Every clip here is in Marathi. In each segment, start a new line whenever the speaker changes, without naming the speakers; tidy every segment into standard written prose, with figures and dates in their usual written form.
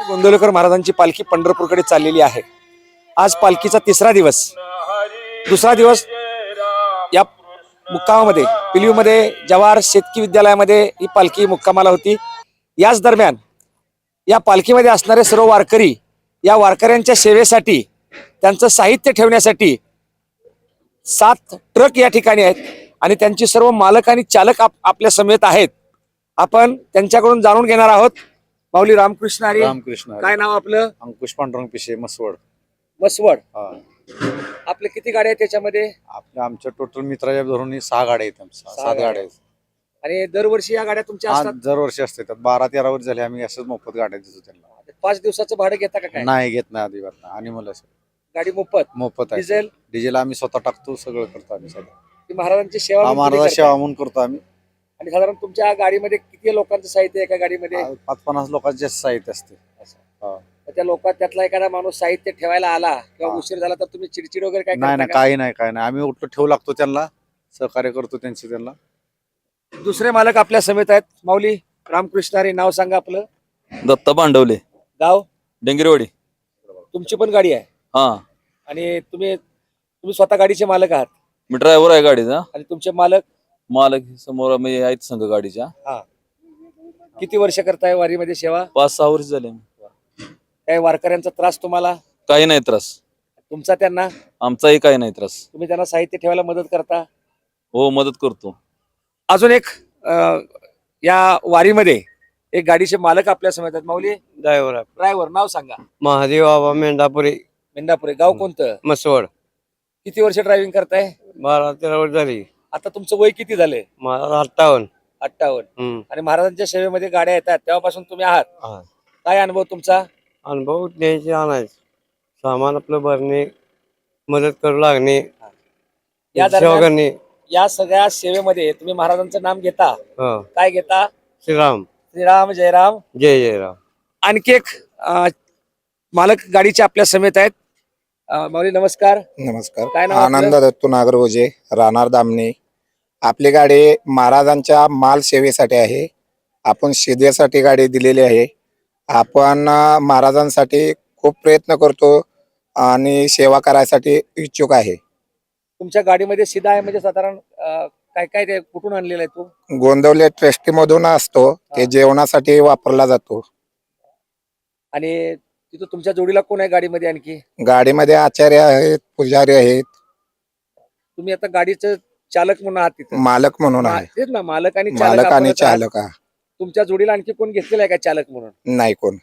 गोंदवलेकर महाराजांची पालखी पंढरपूरकडे चाललेली आहे। आज पालखीचा तिसरा दिवस, दुसरा दिवस या मुक्कामामध्ये पिलीमध्ये जवाहर शेतकी विद्यालयामध्ये ही पालखी मुक्कामाला होती। याच दरम्यान या पालखीमध्ये असणारे सर्व वारकरी या वारकऱ्यांच्या सेवेसाठी त्यांचं साहित्य ठेवण्यासाठी 7 ट्रक या ठिकाणी आहेत आणि त्यांची सर्व मालक आणि चालक आपल्या समेत आहेत। आपण त्यांच्याकडून जाणून घेणार आहोत। माऊली रामकृष्ण हरी।
रामकृष्ण
काय नाव आपलं?
अंकुश पांडुरंग पिशे मसवड।
मसवड।
हा,
आपले किती गाड्या आहेत त्याच्यामध्ये?
आमच्या टोटल मित्राच्या धरून 6 गाड्या आहेत, 7 गाड्या आहेत।
आणि दरवर्षी या गाड्या तुमच्या असतात?
दरवर्षी असते, 12-13 वर्ष झाले आम्ही असंच मोफत गाड्या देतो त्यांना।
5 दिवसाचं भाडं घेता का काय?
नाही घेत नाही अजिबात नाही। आणि मला
गाडी मोफत
आहे।
डिझेल
डिझेल आम्ही स्वतः टाकतो, सगळं करतो आम्ही सगळं।
ती महाराजांची सेवा म्हणून
महाराज
तुम्ही
सेवा
करता.
म्हणून करतो आम्ही।
आणि साधारण तुमच्या गाडीमध्ये किती लोकांचं साहित्य आहे एका गाडीमध्ये?
5-50 लोकांचे साहित्य असते। हा.
तर त्या लोकांत त्यातला एखादा माणूस साहित्य ठेवायला आला किंवा
हा.
उशीर झाला तर तुम्ही चिडचिड वगैरे काय
नाही
करता
नाही,
का?
काही नाही आम्ही उठलो ठेवू लागतो, त्यांना सहकार्य करतो त्यांची त्यांना।
दुसरे मालक आपल्या समेत आहेत। माऊली रामकृष्ण हरी। नाव सांगा आपलं?
दत्ता पांडवले,
गाव?
डेंगरेवाडी।
तुमची पण गाडी आहे
हा,
आणि तुम्ही स्वतः गाडीचे मालक आहात
मी ड्रायव्हर आहे गाडीचा।
आणि तुमचे मालक
मालक समोर म्हणजे आहेत संघ गाडीच्या।
किती वर्ष करताय वारीमध्ये सेवा?
5-6 वर्ष झाले।
काही वारकऱ्यांचा त्रास तुम्हाला?
काही नाही त्रास
तुमचा त्यांना?
आमचाही काही नाही त्रास।
तुम्ही त्यांना साहित्य ठेवायला मदत करता?
हो, मदत करतो।
अजून एक या वारीमध्ये एक गाडीचे मालक आपल्या समेत आहेत। माऊली ड्रायव्हर, नाव सांगा?
महादेव बाबा मेंढापुरी,
मेंढापुरे। गाव कोणतं?
मसवड।
किती वर्ष ड्रायव्हिंग करताय?
12-13 वर्ष झाली।
आता तुमचं वय किती झालंय?
मला 58.
58। आणि महाराजांच्या सेवेमध्ये गाड्या येतात तेव्हापासून तुम्ही आहात।
हा.
काय अनुभव तुमचा?
अनुभव द्यायचे आणायचे, सामान आपलं भरणे, मदत करू लागणे,
या
सेवा
दरम्यान
करणे।
या सगळ्या सेवेमध्ये तुम्ही महाराजांचं नाम घेता?
हो.
काय घेता?
श्रीराम,
श्रीराम जय राम।
जय जय राम।
आणखी एक मालक गाडीचे आपल्या समेत आहेत। माऊली नमस्कार।
नमस्कार।
काय नाव आपलं?
आनंद दत्तू नागरगोजे, राहणार दामणे। आपली गाडी महाराजांच्या माल सेवेसाठी आहे। आपण शिदेसाठी गाडी दिलेली आहे। आपण महाराजांसाठी खूप प्रयत्न करतो आणि सेवा करायसाठी इच्छुक आहे।
तुमच्या गाडीमध्ये सीधा आहे म्हणजे साधारण काय काय ते कुठून आणलेलं आहे तू?
गोंदवले ट्रस्टी मधून असतो, ते जेवणासाठी वापरला जातो।
आणि तिथं तुमच्या जोडीला कोण आहे गाडीमध्ये? आणखी
गाडीमध्ये आचार्य आहेत, पुजारी आहेत,
तुम्ही आता गाडीचं चालक म्हणून आहात तिथं?
मालक म्हणून आहे।
तेच ना, मालक आणि
मालक आणि
आपणच आहात.
चालक
तुमच्या जोडीला आणखी कोण घेतलेलं आहे का चालक म्हणून?
नाही कोण।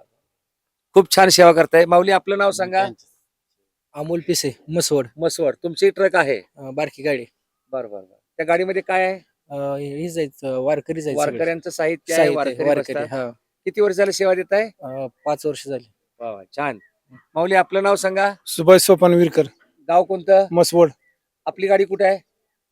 खूप छान सेवा करताय। माऊली आपलं नाव सांगा?
अमोल पिसे, मसवड।
मसवड। तुमची ट्रक आहे?
बारकी गाडी।
बरोबर। त्या गाडीमध्ये काय आहे?
हे जायचं वारकरी जायचं सगळे.
वारकऱ्यांचं साहित्य आहे, वारकरी
वारकरी
बसतात.
हा।
किती वर्ष झाले सेवा देत आहे?
5 वर्ष झाली।
वा वा, छान। माऊली आपलं नाव सांगा?
सुभाष सोपान विरकर,
गाव कोणतं?
मसवड।
आपली गाडी कुठे आहे?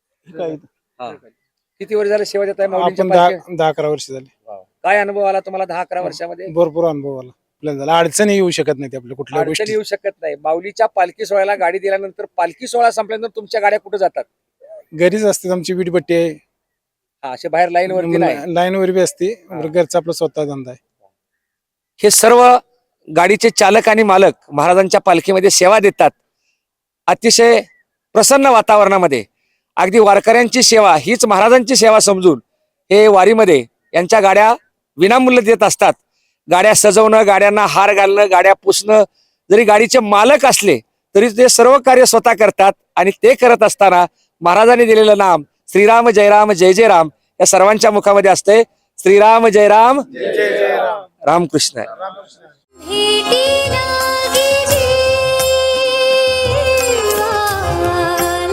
हा. किती वर्ष झाले सेवा देत आहे माऊलींच्या
आपण
पालखीत?
10-11 वर्ष झाले।
काय अनुभव आला तुम्हाला 10-11 वर्षामध्ये?
भरपूर अनुभव आला आपल्याला झाला। अडचणी येऊ शकत नाही आपल्या कुठल्या
अडचण
गोष्टी।
येऊ शकत नाही। माऊलीच्या पालखी सोहळ्याला गाडी दिल्यानंतर पालखी सोहळा संपल्यानंतर तुमच्या गाड्या कुठे जातात?
घरीच असते, आमची वीटभट्टी आहे,
हा, असे बाहेर लाईन वरती नाही?
लाईन वर बी असते। घरचा आपला स्वतः धंदा आहे।
हे सर्व गाडीचे चालक आणि मालक महाराजांच्या पालखीमध्ये सेवा देतात। अतिशय प्रसन्न वातावरणामध्ये अगदी वारकऱ्यांची सेवा हीच महाराजांची सेवा समजून हे वारीमध्ये यांच्या गाड्या विनामूल्य देत असतात। गाड्या सजवणं, गाड्यांना हार घालणं, गाड्या पुसणं, जरी गाडीचे मालक असले तरी ते सर्व कार्य स्वतः करतात। आणि ते करत असताना महाराजांनी दिलेलं नाम श्रीराम जय राम जय जय राम या सर्वांच्या मुखामध्ये असते। श्रीराम जय राम जय जय राम। रामकृष्ण।
भेटी लागी जीवा